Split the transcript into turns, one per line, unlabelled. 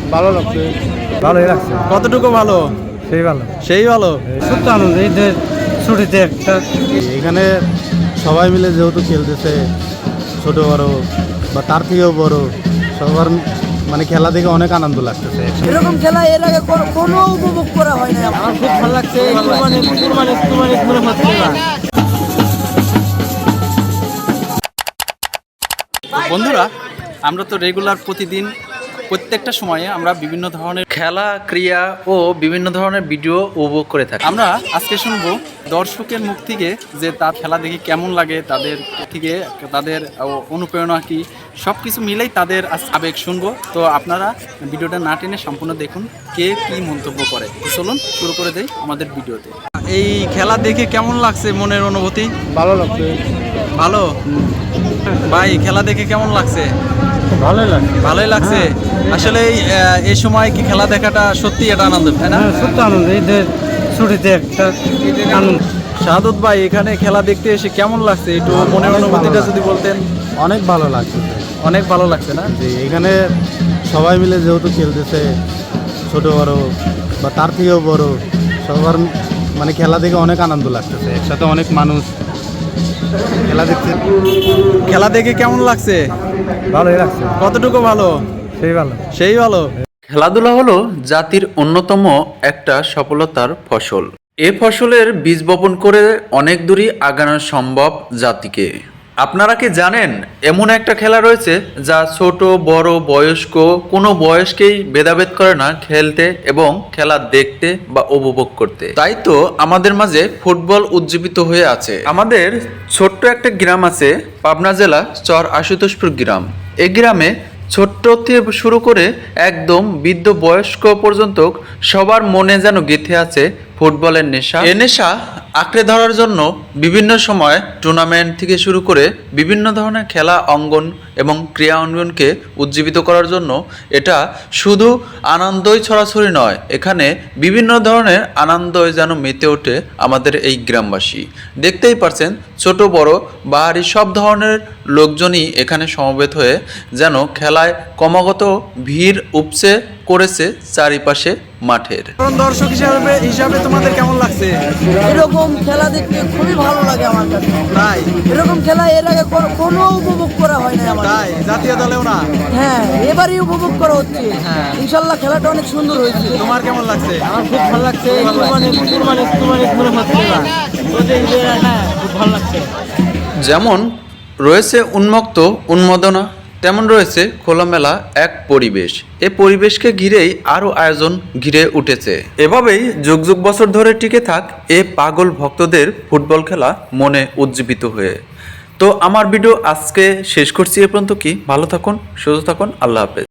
ভালো লাগছে, ভালোই লাগছে।
কতটুকু ভালো?
সেই ভালো,
সেই ভালো।
সত্য আনন্দ এই যে ছুটিতে একটা এখানে সবাই মিলে যেহেতু খেলতেছে, ছোট বড় বা তার থেকেও বড় সবার মানে খেলা দেখে অনেক আনন্দ লাগতেছে।
এরকম খেলা এর আগে কোনো উপভোগ করা হয় না। আমার খুব ভালো লাগছে।
বন্ধুরা, আমরা তো রেগুলার প্রতিদিন প্রত্যেকটা সময়ে আমরা বিভিন্ন ধরনের খেলা ক্রিয়া ও বিভিন্ন ধরনের ভিডিও উপভোগ করে থাকি। আমরা আজকে শুনবো দর্শকের মুখ থেকে যে তার খেলা দেখে কেমন লাগে, তাদের থেকে তাদের অনুপ্রেরণা কি, সব কিছু মিলেই তাদের আবেগ শুনবো। তো আপনারা ভিডিওটা না টেনে সম্পূর্ণ দেখুন কে কি মন্তব্য করে। চলুন শুরু করে দেই আমাদের ভিডিওতে। এই খেলা দেখে কেমন লাগছে, মনের অনুভূতি?
ভালো লাগছে,
ভালো। ভাই, খেলা দেখে কেমন লাগছে?
ভালোই লাগছে,
ভালোই লাগছে। আসলে এই সময় কি খেলা দেখাটা সত্যি এটা আনন্দ, তাই না?
সত্য আনন্দ এই যে ছুটিতে একটা আনন্দ।
শাহাদত ভাই, এখানে খেলা দেখতে এসে কেমন লাগছে, একটু মনের অনুভূতিটা যদি বলতেন।
অনেক ভালো লাগছে,
অনেক ভালো লাগছে না?
যে এখানে সবাই মিলে যেহেতু খেলতেছে, ছোট বড় বা তার থেকেও বড় সবার মানে খেলা দেখে অনেক আনন্দ লাগতেছে। একসাথে অনেক মানুষ খেলা দেখছে।
খেলা দেখে কেমন লাগছে?
ভালোই লাগছে,
কতটুকু ভালো?
সেই ভালো,
সেই ভালো। খেলাধুলা হলো জাতির অন্যতম একটা সফলতার ফসল। এ ফসলের বীজ বপন করে অনেক দূরই আগানো সম্ভব জাতিকে। আপনারা কি জানেন এমন একটা খেলা রয়েছে যা ছোট বড় বয়স্ক কোনো বয়সকেই ভেদাভেদ করে না খেলতে এবং খেলা দেখতে বা উপভোগ করতে। তাই তো আমাদের মাঝে ফুটবল উজ্জীবিত হয়ে আছে। আমাদের ছোট্ট একটা গ্রাম আছে, পাবনা জেলা চর আশুতোষপুর গ্রাম। এই গ্রামে ছোট্ট থেকে শুরু করে একদম বৃদ্ধ বয়স্ক পর্যন্ত সবার মনে যেন গেঁথে আছে ফুটবলের নেশা। এ নেশা আঁকড়ে ধরার জন্য বিভিন্ন সময় টুর্নামেন্ট থেকে শুরু করে বিভিন্ন ধরনের খেলা অঙ্গন এবং ক্রীড়া অঙ্গনকে উজ্জীবিত করার জন্য এটা শুধু আনন্দই ছড়াছড়ি নয়, এখানে বিভিন্ন ধরনের আনন্দই যেন মেতে ওঠে আমাদের এই গ্রামবাসী। দেখতেই পারছেন ছোট বড় বাহারি সব ধরনের লোকজনই এখানে সমবেত হয়ে যেন খেলায় ক্রমাগত ভিড় উপচে করেছে চারিপাশে মাঠের। দর্শক হিসাবে তোমাদের কেমন লাগছে?
এরকম খেলা দেখতে খুবই ভালো লাগে আমার কাছে।
তাই?
এরকম খেলা এর আগে কোনো উপভোগ করা হয় না আমার।
তাই? জাতীয় দলেও না?
হ্যাঁ, এবারই উপভোগ করা হচ্ছে।
হ্যাঁ।
ইনশাল্লাহ খেলাটা অনেক সুন্দর হয়েছে।
তোমার কেমন লাগছে?
আমার খুব ভালো লাগছে। হ্যাঁ, খুব ভালো লাগছে।
যেমন রয়েছে উন্মুক্ত উন্মাদনা, তেমন রয়েছে খোলামেলা এক পরিবেশ। এ পরিবেশকে ঘিরেই আরও আয়োজন ঘিরে উঠেছে। এভাবেই যুগ যুগ বছর ধরে টিকে থাক এ পাগল ভক্তদের ফুটবল খেলা মনে উজ্জীবিত হয়ে। তো আমার ভিডিও আজকে শেষ করছি এ পর্যন্ত। কি ভালো থাকুন, সুস্থ থাকুন, আল্লাহ হাফেজ।